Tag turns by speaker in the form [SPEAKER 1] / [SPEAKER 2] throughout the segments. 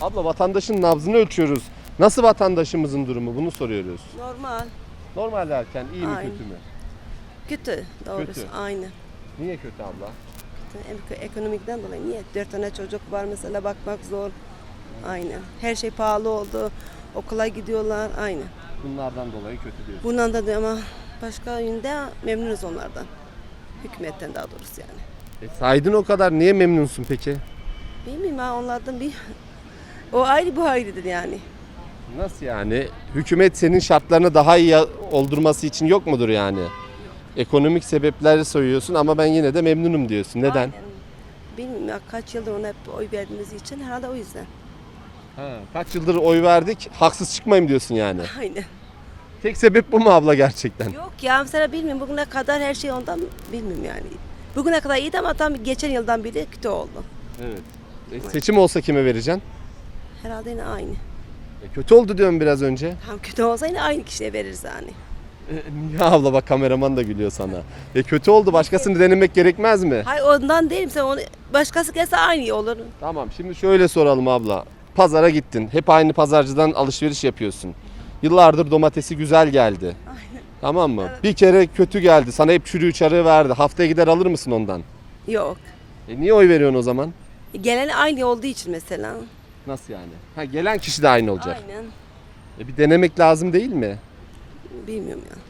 [SPEAKER 1] Abla vatandaşın nabzını ölçüyoruz. Nasıl vatandaşımızın durumu? Bunu soruyoruz.
[SPEAKER 2] Normal.
[SPEAKER 1] Normal derken iyi mi
[SPEAKER 2] Aynen.
[SPEAKER 1] kötü mü?
[SPEAKER 2] Kötü doğrusu.
[SPEAKER 1] Kötü.
[SPEAKER 2] Aynı.
[SPEAKER 1] Niye kötü abla?
[SPEAKER 2] Ekonomikten dolayı. Niye? 4 tane çocuk var mesela, bakmak zor. Aynen. Her şey pahalı oldu. Okula gidiyorlar. Aynen.
[SPEAKER 1] Bunlardan dolayı kötü diyorsun.
[SPEAKER 2] Bundan da ama başka yönde memnunuz onlardan. Hükümetten daha doğrusu yani.
[SPEAKER 1] Saydın o kadar, niye memnunsun peki?
[SPEAKER 2] Bilmiyorum ha, onlardan bir... O ayrı, bu ayrıdır yani.
[SPEAKER 1] Nasıl yani? Hükümet senin şartlarını daha iyi oldurması için yok mudur yani? Ekonomik sebepleri söylüyorsun ama ben yine de memnunum diyorsun. Neden?
[SPEAKER 2] Aynen. Bilmiyorum ya, kaç yıldır ona hep oy verdiğimiz için herhalde o yüzden.
[SPEAKER 1] Kaç yıldır oy verdik, haksız çıkmayayım diyorsun yani.
[SPEAKER 2] Aynen.
[SPEAKER 1] Tek sebep bu mu abla gerçekten?
[SPEAKER 2] Yok ya, mesela bilmiyorum, bugüne kadar her şey ondan bilmiyorum yani. Bugüne kadar iyiydi ama tam geçen yıldan beri kötü oldu.
[SPEAKER 1] Evet. Seçim olsa kime vereceksin?
[SPEAKER 2] Herhalde yine aynı.
[SPEAKER 1] Kötü oldu diyorum biraz önce.
[SPEAKER 2] Tam kötü olsa yine aynı kişiye veririz yani.
[SPEAKER 1] Niye abla, bak kameraman da gülüyor sana. Kötü oldu, başkasını denemek gerekmez mi?
[SPEAKER 2] Hayır, ondan değilim, sen onu başkası gelse aynı olur.
[SPEAKER 1] Tamam, şimdi şöyle soralım abla. Pazara gittin, hep aynı pazarcıdan alışveriş yapıyorsun. Yıllardır domatesi güzel geldi.
[SPEAKER 2] Aynen.
[SPEAKER 1] Tamam mı?
[SPEAKER 2] Evet.
[SPEAKER 1] Bir kere kötü geldi, sana hep çürüğü çarığı verdi. Haftaya gider alır mısın ondan?
[SPEAKER 2] Yok.
[SPEAKER 1] Niye oy veriyorsun o zaman?
[SPEAKER 2] Gelen aynı olduğu için mesela.
[SPEAKER 1] Nasıl yani? Gelen kişi de aynı olacak.
[SPEAKER 2] Aynen.
[SPEAKER 1] Bir denemek lazım değil mi?
[SPEAKER 2] Bilmiyorum ya.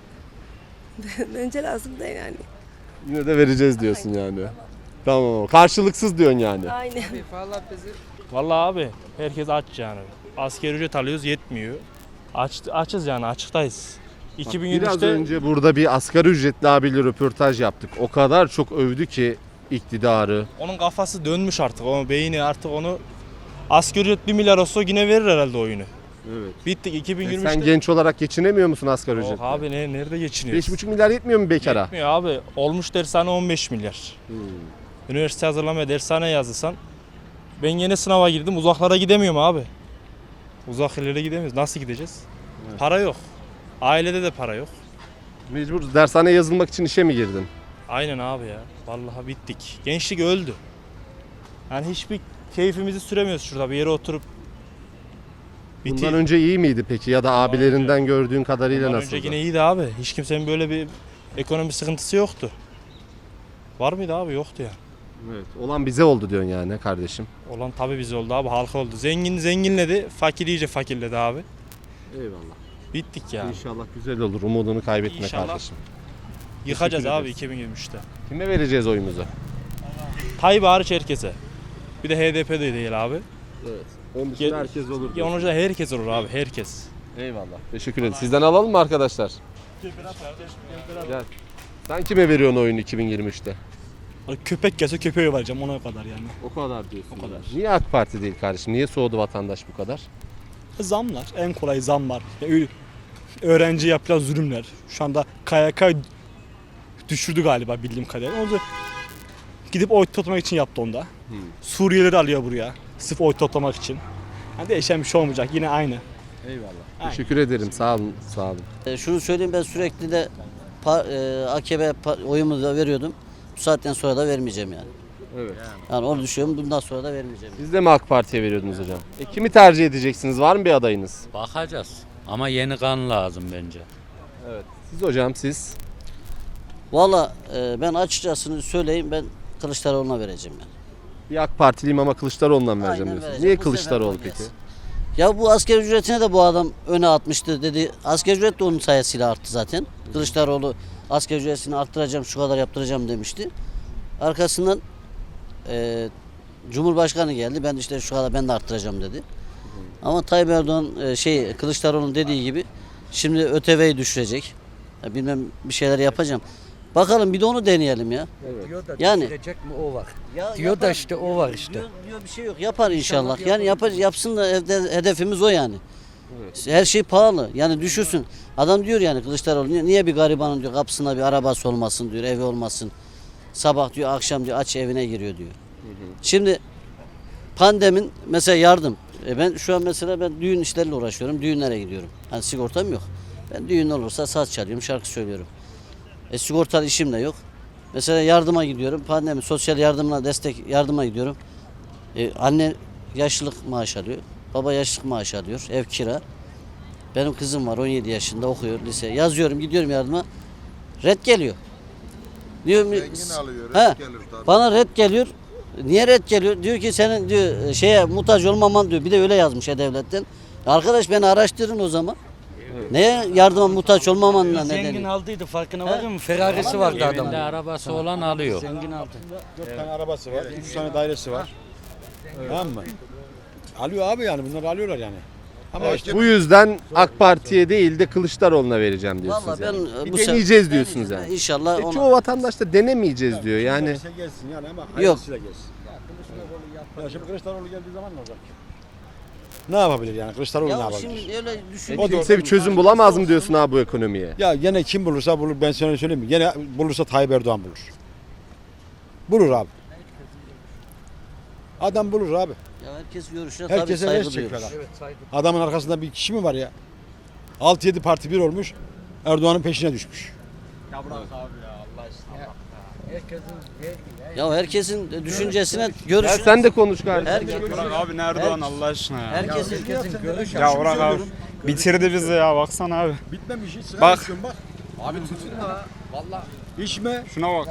[SPEAKER 2] Bence lazım da yani.
[SPEAKER 1] Yine de vereceğiz diyorsun yani. Tamam. Karşılıksız diyorsun yani.
[SPEAKER 2] Aynen.
[SPEAKER 3] Vallahi abi herkes aç yani. Asgari ücret alıyoruz, yetmiyor. Açız yani, açıktayız.
[SPEAKER 1] Biraz
[SPEAKER 3] 2023'te
[SPEAKER 1] önce burada bir asgari ücretli abiyle röportaj yaptık. O kadar çok övdü ki iktidarı.
[SPEAKER 3] onun kafası dönmüş artık. Onun beyni artık onu, asgari ücret 1 milyar olsa yine verir herhalde oyunu.
[SPEAKER 1] Evet.
[SPEAKER 3] Bittik 2023'te.
[SPEAKER 1] Sen genç olarak geçinemiyor musun asgari
[SPEAKER 3] Yok
[SPEAKER 1] ücretle?
[SPEAKER 3] abi, nerede geçiniyoruz?
[SPEAKER 1] 5,5 milyar yetmiyor mu bekara?
[SPEAKER 3] Yetmiyor abi. Olmuş dershane 15 milyar. Üniversite hazırlamaya dershane yazırsan. Ben yeni sınava girdim, uzaklara gidemiyorum abi. Uzak yerlere gidemiyoruz. Nasıl gideceğiz?
[SPEAKER 1] Evet.
[SPEAKER 3] Para yok. Ailede de para yok.
[SPEAKER 1] Mecbur dershaneye yazılmak için işe mi girdin?
[SPEAKER 3] Aynen abi ya. Vallahi bittik. Gençlik öldü. Yani hiçbir keyfimizi süremiyoruz şurada bir yere oturup.
[SPEAKER 1] Bundan önce iyi miydi peki, ya da abilerinden gördüğün kadarıyla
[SPEAKER 3] Bundan
[SPEAKER 1] nasıldı?
[SPEAKER 3] önce yine iyiydi abi. Hiç kimsenin böyle bir ekonomi sıkıntısı yoktu. Var mıydı abi? Yoktu ya.
[SPEAKER 1] Evet. Olan bize oldu diyorsun yani kardeşim.
[SPEAKER 3] Olan tabii bize oldu abi. Halka oldu. Zengin zenginledi. Fakir iyice fakirledi abi.
[SPEAKER 1] Eyvallah.
[SPEAKER 3] Bittik ya.
[SPEAKER 1] İnşallah güzel olur. Umudunu kaybetme
[SPEAKER 3] İnşallah.
[SPEAKER 1] kardeşim.
[SPEAKER 3] Yıkacağız
[SPEAKER 1] Teşekkür
[SPEAKER 3] abi
[SPEAKER 1] ederiz.
[SPEAKER 3] 2023'te.
[SPEAKER 1] Kime vereceğiz oyumuzu?
[SPEAKER 3] Tayyip hariç herkese. Bir de HDP de değil abi.
[SPEAKER 1] Evet. Onun
[SPEAKER 3] dışında
[SPEAKER 1] dışında herkes olur.
[SPEAKER 3] Ya onun dışında herkes olur abi. Herkes.
[SPEAKER 1] Eyvallah. Teşekkür ederim. Sizden alalım mı arkadaşlar? Gel. Sen kime veriyorsun oyunu 2023'te?
[SPEAKER 4] Köpek gelse köpeğe vereceğim, ona kadar yani.
[SPEAKER 1] O kadar diyorsun.
[SPEAKER 4] O kadar.
[SPEAKER 1] Niye AK Parti değil kardeşim? Niye soğudu vatandaş bu kadar?
[SPEAKER 4] Zamlar, en kolay zamlar. Öğrenci yapılan zulümler. Şu anda KYK düşürdü galiba bildiğim kadarıyla. Onu da gidip oy toplamak için yaptı onda. Suriyelileri alıyor buraya. Sırf oy toplamak için. Yani değişen bir şey olmayacak. Yine aynı.
[SPEAKER 1] Eyvallah.
[SPEAKER 4] Aynen.
[SPEAKER 1] Teşekkür ederim. Sağ olun. Sağ olun.
[SPEAKER 5] Şunu söyleyeyim, ben sürekli de AKP oyumu da veriyordum. Bu saatten sonra da vermeyeceğim yani.
[SPEAKER 1] Evet.
[SPEAKER 5] Yani onu düşünüyorum, bundan sonra da vermeyeceğim.
[SPEAKER 1] Siz de mi AK Parti'ye veriyordunuz hocam? Kimi tercih edeceksiniz? Var mı bir adayınız?
[SPEAKER 6] Bakacağız. Ama yeni kan lazım bence.
[SPEAKER 1] Evet. Siz hocam, siz?
[SPEAKER 5] Valla ben açıkçası söyleyeyim, ben Kılıçdaroğlu'na vereceğim yani.
[SPEAKER 1] Bir AK Partiliyim ama Kılıçdaroğlu'ndan vereceğim
[SPEAKER 5] Aynen
[SPEAKER 1] diyorsunuz.
[SPEAKER 5] vereceğim.
[SPEAKER 1] Niye
[SPEAKER 5] Bu
[SPEAKER 1] Kılıçdaroğlu
[SPEAKER 5] sefer
[SPEAKER 1] peki?
[SPEAKER 5] gelsin. Ya bu asgari ücretine de bu adam öne atmıştı dedi. Asgari ücret de onun sayesinde arttı zaten. Kılıçdaroğlu asgari ücretini arttıracağım, şu kadar yaptıracağım demişti. Arkasından Cumhurbaşkanı geldi. Ben işte şu kadar ben de arttıracağım dedi. Ama Tayyip Erdoğan Kılıçdaroğlu'nun dediği gibi şimdi ÖTV'yi düşürecek. Ya bilmem bir şeyler yapacağım. Bakalım bir de onu deneyelim ya.
[SPEAKER 7] Diyor da
[SPEAKER 5] Yani-
[SPEAKER 7] düşürecek mi o var.
[SPEAKER 5] Ya
[SPEAKER 7] Diyor da
[SPEAKER 5] yapar.
[SPEAKER 7] işte o var işte.
[SPEAKER 5] Diyor bir şey yok. Yapar inşallah.
[SPEAKER 7] İnşallah
[SPEAKER 5] Yani yapsın da hedefimiz o yani. Her şey pahalı. Yani düşürsün. Adam diyor yani Kılıçdaroğlu niye bir garibanın diyor kapısına bir arabası olmasın diyor, evi olmasın. Sabah diyor, akşam diyor aç evine giriyor diyor. Şimdi pandemin mesela yardım. Ben şu an mesela ben düğün işleriyle uğraşıyorum. Düğünlere gidiyorum. Hani sigortam yok. Ben düğün olursa saz çalıyorum, şarkı söylüyorum. Sigortalı işim de yok. Mesela yardıma gidiyorum. Pandemi sosyal yardımına destek yardıma gidiyorum. Anne yaşlılık maaş alıyor. Baba yaşlık maaşı alıyor. Ev kira. Benim kızım var 17 yaşında okuyor lise. Yazıyorum gidiyorum yardıma. Red geliyor. Diyorum he, bana red geliyor. Niye red geliyor? Diyor ki senin diyor şeye muhtaç olmaman diyor. Bir de öyle yazmış devletten. Arkadaş beni araştırın o zaman. Neye yardıma muhtaç olmamanın
[SPEAKER 7] Zengin
[SPEAKER 5] nedeni?
[SPEAKER 7] aldıydı farkına varıyor musun? Ferrari'si vardı
[SPEAKER 6] Evinde
[SPEAKER 7] adamın.
[SPEAKER 6] arabası olan alıyor.
[SPEAKER 7] Zengin aldı.
[SPEAKER 8] 4 tane arabası var, 3 tane dairesi var. Tamam mı? Alıyor abi yani bunları alıyorlar yani. Ama işte
[SPEAKER 1] Bu yüzden AK Parti'ye değil de Kılıçdaroğlu'na vereceğim diyorsunuz.
[SPEAKER 5] Vallahi
[SPEAKER 1] yani.
[SPEAKER 5] ben
[SPEAKER 1] Bir
[SPEAKER 5] bu sefer-
[SPEAKER 1] deneyeceğiz diyorsunuz yani.
[SPEAKER 5] İnşallah ona.
[SPEAKER 1] Çoğu vatandaş da denemeyeceğiz diyor yani.
[SPEAKER 8] gelirse gelsin yani ama
[SPEAKER 5] Yok.
[SPEAKER 8] hayırlısıyla gelsin. Ya şimdi Kılıçdaroğlu geldiği zaman ne olacak? Ne yapabilir yani Kılıçdaroğlu ne
[SPEAKER 5] Ya
[SPEAKER 8] yapabilir?
[SPEAKER 5] şimdi öyle düşün.
[SPEAKER 8] O da-
[SPEAKER 1] Kimse bir çözüm bulamaz mı diyorsun abi bu ekonomiye?
[SPEAKER 8] Ya gene kim bulursa bulur ben sana söyleyeyim mi? Gene bulursa Tayyip Erdoğan bulur. Bulur abi. Adam bulur abi.
[SPEAKER 5] Ya herkes görüşüne tabii
[SPEAKER 8] Herkese
[SPEAKER 5] saygı
[SPEAKER 8] res
[SPEAKER 5] duyuyoruz.
[SPEAKER 8] çekiyor adam. Adamın arkasında bir kişi mi var ya? 6-7 parti bir olmuş. Erdoğan'ın peşine düşmüş.
[SPEAKER 5] Ya herkesin düşüncesine,
[SPEAKER 1] Ya
[SPEAKER 5] görüşüne...
[SPEAKER 1] sen de konuş kardeşim.
[SPEAKER 5] Herkes,
[SPEAKER 9] Abi nerede Erdoğan Allah aşkına ya.
[SPEAKER 5] herkesin
[SPEAKER 9] Ya Orhan abi bitirdi bizi ya baksana abi.
[SPEAKER 8] Bitmemiş hiç.
[SPEAKER 9] Bak.
[SPEAKER 8] Bak. Abi tutun da. Valla. İçme.
[SPEAKER 9] Şuna bak.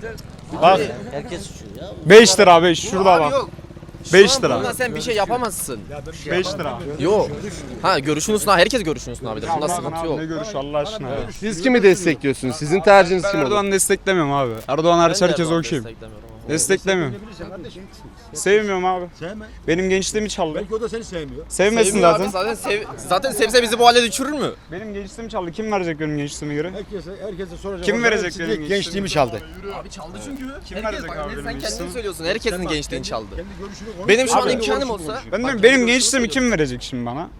[SPEAKER 9] Bak
[SPEAKER 5] herkes suçu ya.
[SPEAKER 9] 5 lira 5 şurada bak. 5 lira.
[SPEAKER 10] Bundan sen bir şey yapamazsın.
[SPEAKER 9] 5 lira.
[SPEAKER 10] Yok. Ha görüşünü sun. Herkes görüşünü sun abi. Bunda sıkıntı yok.
[SPEAKER 9] Ne görüş Allah aşkına ya.
[SPEAKER 1] Siz kimi destekliyorsunuz? Sizin tercihiniz
[SPEAKER 9] Ben
[SPEAKER 1] kim olur?
[SPEAKER 9] Erdoğan'ı desteklemiyorum abi. Erdoğan hariç
[SPEAKER 10] Ben de
[SPEAKER 9] herkes
[SPEAKER 10] Erdoğan'ı
[SPEAKER 9] okuyayım.
[SPEAKER 10] desteklemiyorum ama.
[SPEAKER 9] Desteklemiyorum. Sevmiyorum abi.
[SPEAKER 8] Sevme.
[SPEAKER 9] Benim gençliğimi çaldı.
[SPEAKER 8] Belki o da seni sevmiyor.
[SPEAKER 9] Sevmesin
[SPEAKER 10] Sevmiyor
[SPEAKER 9] zaten.
[SPEAKER 10] abi, zaten sevse bizi bu hale düşürür mü?
[SPEAKER 9] Benim gençliğimi çaldı. Kim verecek benim gençliğime göre?
[SPEAKER 8] Herkese soracak.
[SPEAKER 9] Kim
[SPEAKER 8] olsa
[SPEAKER 9] verecek
[SPEAKER 8] siz
[SPEAKER 9] benim
[SPEAKER 8] diyecek, gençliğimi çaldı.
[SPEAKER 10] Abi çaldı çünkü.
[SPEAKER 9] Kim
[SPEAKER 10] Herkes
[SPEAKER 9] verecek
[SPEAKER 10] bak,
[SPEAKER 9] abi
[SPEAKER 10] sen
[SPEAKER 9] benim
[SPEAKER 10] kendin
[SPEAKER 9] gençliğimi?
[SPEAKER 10] söylüyorsun. Herkesin gençliğini çaldı.
[SPEAKER 8] Kendi görüşünü konuş.
[SPEAKER 10] Benim şu an
[SPEAKER 9] Abi,
[SPEAKER 10] imkanım olsa.
[SPEAKER 9] Ben
[SPEAKER 10] bak,
[SPEAKER 9] de
[SPEAKER 10] kendi
[SPEAKER 9] benim
[SPEAKER 10] görüşünü
[SPEAKER 9] gençliğimi kim
[SPEAKER 10] söylüyorsun.
[SPEAKER 9] verecek şimdi bana?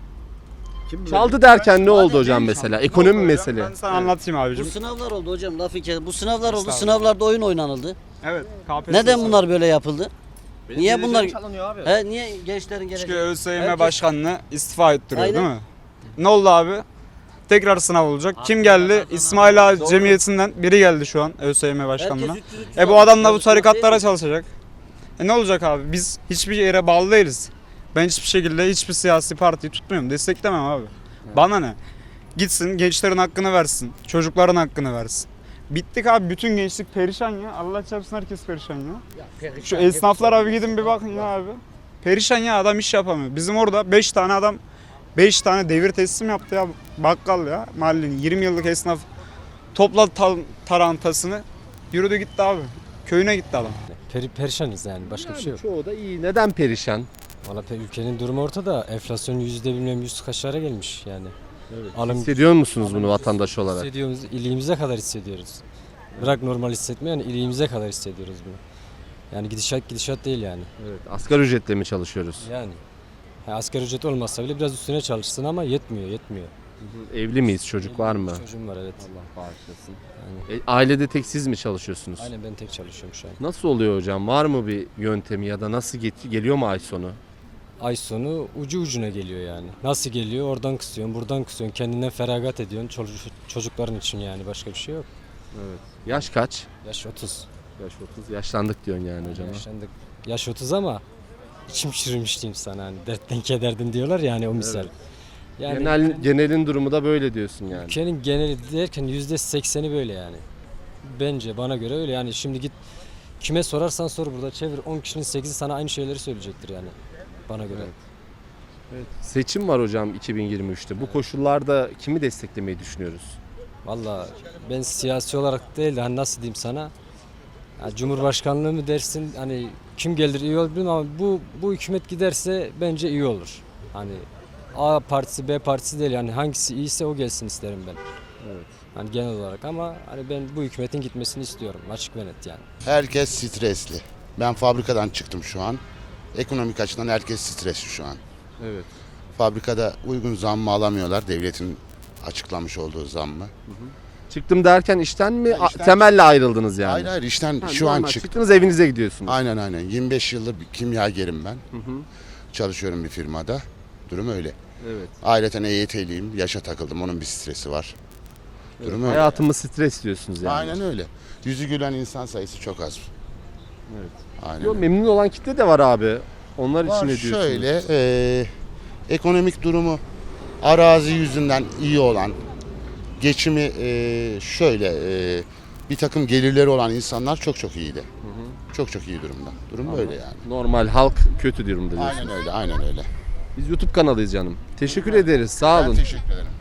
[SPEAKER 1] Çaldı derken ne oldu hocam mesela? Ekonomi mesele.
[SPEAKER 9] Ben sana anlatayım
[SPEAKER 5] Bu
[SPEAKER 9] abicim.
[SPEAKER 5] sınavlar oldu hocam lafı kes. Bu sınavlar oldu. Sınavlarda oyun oynanıldı.
[SPEAKER 9] Evet. KPSS.
[SPEAKER 5] Neden bunlar böyle yapıldı?
[SPEAKER 10] Benim
[SPEAKER 5] Niye
[SPEAKER 10] geleceğim
[SPEAKER 5] bunlar-
[SPEAKER 10] çalınıyor abi?
[SPEAKER 5] He niye gençlerin
[SPEAKER 9] Çünkü
[SPEAKER 5] geleceği?
[SPEAKER 9] ÖSYM
[SPEAKER 5] Herkes-
[SPEAKER 9] başkanlığı istifa ettiriyor
[SPEAKER 5] Aynen.
[SPEAKER 9] değil mi? Ne oldu abi? Tekrar sınav olacak. Kim geldi? İsmail Ağa Cemiyeti'nden biri geldi şu an ÖSYM başkanlığına.
[SPEAKER 5] Herkes 300
[SPEAKER 9] Bu adam da bu
[SPEAKER 5] almış.
[SPEAKER 9] tarikatlara çalışacak. Ne olacak abi? Biz hiçbir yere bağlı değiliz. Ben hiçbir şekilde hiçbir siyasi partiyi tutmuyorum. Desteklemem abi. Bana ne? Gitsin gençlerin hakkını versin. Çocukların hakkını versin. Bittik abi. Bütün gençlik perişan ya. Allah çarpsın herkes perişan ya. Şu esnaflar abi gidin bir bakın ya abi. Perişan ya adam iş yapamıyor. Bizim orada 5 tane adam 5 tane devir teslim yaptı ya bakkal ya. Mahallenin 20 yıllık esnaf topladı tarantasını yürüdü gitti abi. Köyüne gitti adam.
[SPEAKER 11] Perişanız yani başka bir şey yok.
[SPEAKER 1] Çoğu da iyi. Neden perişan?
[SPEAKER 11] Valla ülkenin durumu ortada. Enflasyon bilmem 100 kaçlara gelmiş yani. Alım
[SPEAKER 1] Hissediyor musunuz bunu vatandaş olarak?
[SPEAKER 11] hissediyoruz, iliğimize kadar hissediyoruz. Bırak normal hissetme yani iliğimize kadar hissediyoruz bunu. Yani gidişat değil yani.
[SPEAKER 1] Evet. Asgari ücretle mi çalışıyoruz?
[SPEAKER 11] Yani asgari ücret olmazsa bile biraz üstüne çalışsın ama yetmiyor.
[SPEAKER 1] Evli miyiz? Çocuk var mı?
[SPEAKER 11] Çocuğum var evet.
[SPEAKER 1] Allah bağışlasın.
[SPEAKER 11] Yani,
[SPEAKER 1] Ailede tek siz mi çalışıyorsunuz?
[SPEAKER 11] aynen ben tek çalışıyorum şu an.
[SPEAKER 1] Nasıl oluyor hocam? Var mı bir yöntemi ya da nasıl geliyor mu ay sonu?
[SPEAKER 11] Ay sonu ucu ucuna geliyor yani. Nasıl geliyor? Oradan kısıyorsun, buradan kısıyorsun. Kendinden feragat ediyorsun. Çocukların için yani başka bir şey yok.
[SPEAKER 1] Evet. Yaş kaç?
[SPEAKER 11] Yaş 30.
[SPEAKER 1] Yaş 30. Yaşlandık diyorsun yani hocam.
[SPEAKER 11] Yaşlandık. Yaş 30 ama içim çürümüş diyeyim sana. Hani dertten kederdim diyorlar ya hani o misal. Yani
[SPEAKER 1] Genelin durumu da böyle diyorsun yani.
[SPEAKER 11] ülkenin geneli derken %80'i böyle yani. Bence bana göre öyle yani şimdi git kime sorarsan sor burada çevir 10 kişinin 8'i sana aynı şeyleri söyleyecektir yani bana göre.
[SPEAKER 1] Seçim var hocam 2023'te. Bu koşullarda kimi desteklemeyi düşünüyoruz?
[SPEAKER 11] Valla ben siyasi olarak değil de hani nasıl diyeyim sana ya Cumhurbaşkanlığı mı dersin hani kim gelir iyi olur bilmiyorum ama bu hükümet giderse bence iyi olur. Hani A partisi B partisi değil yani hangisi iyiyse o gelsin isterim ben.
[SPEAKER 1] Evet.
[SPEAKER 11] Hani genel olarak ama hani ben bu hükümetin gitmesini istiyorum açık ve net yani.
[SPEAKER 12] Herkes stresli. Ben fabrikadan çıktım şu an. Ekonomik açıdan herkes stresli şu an.
[SPEAKER 1] Evet.
[SPEAKER 12] Fabrikada uygun zammı alamıyorlar. Devletin açıklamış olduğu zammı.
[SPEAKER 1] Çıktım derken işten mi?
[SPEAKER 12] işten
[SPEAKER 1] Temelle ayrıldınız yani.
[SPEAKER 12] Hayır hayır işten
[SPEAKER 1] Ha,
[SPEAKER 12] şu an
[SPEAKER 1] normal.
[SPEAKER 12] çıktım.
[SPEAKER 1] Çıktınız evinize gidiyorsunuz.
[SPEAKER 12] Aynen. 25 yıldır bir kimyagerim ben.
[SPEAKER 1] Hı hı.
[SPEAKER 12] Çalışıyorum bir firmada. Durum öyle.
[SPEAKER 1] Evet.
[SPEAKER 12] Aileten EYT'liyim. Yaşa takıldım. Onun bir stresi var. Durum öyle.
[SPEAKER 1] Hayatımı stres diyorsunuz yani.
[SPEAKER 12] Aynen öyle. Yüzü gülen insan sayısı çok az.
[SPEAKER 1] Evet.
[SPEAKER 12] Aynen.
[SPEAKER 1] Yo, memnun olan kitle de var abi. Onlar için
[SPEAKER 12] Var
[SPEAKER 1] ne diyorsunuz?
[SPEAKER 12] şöyle Ekonomik durumu arazi yüzünden iyi olan, geçimi şöyle bir takım gelirleri olan insanlar çok iyiydi. Çok iyi durumda. Durum böyle yani.
[SPEAKER 1] Normal halk kötü durumda diyorsun.
[SPEAKER 12] Aynen öyle.
[SPEAKER 1] Biz YouTube kanalıyız canım. Teşekkür ederiz. Sağ olun.
[SPEAKER 12] Ben teşekkür ederim.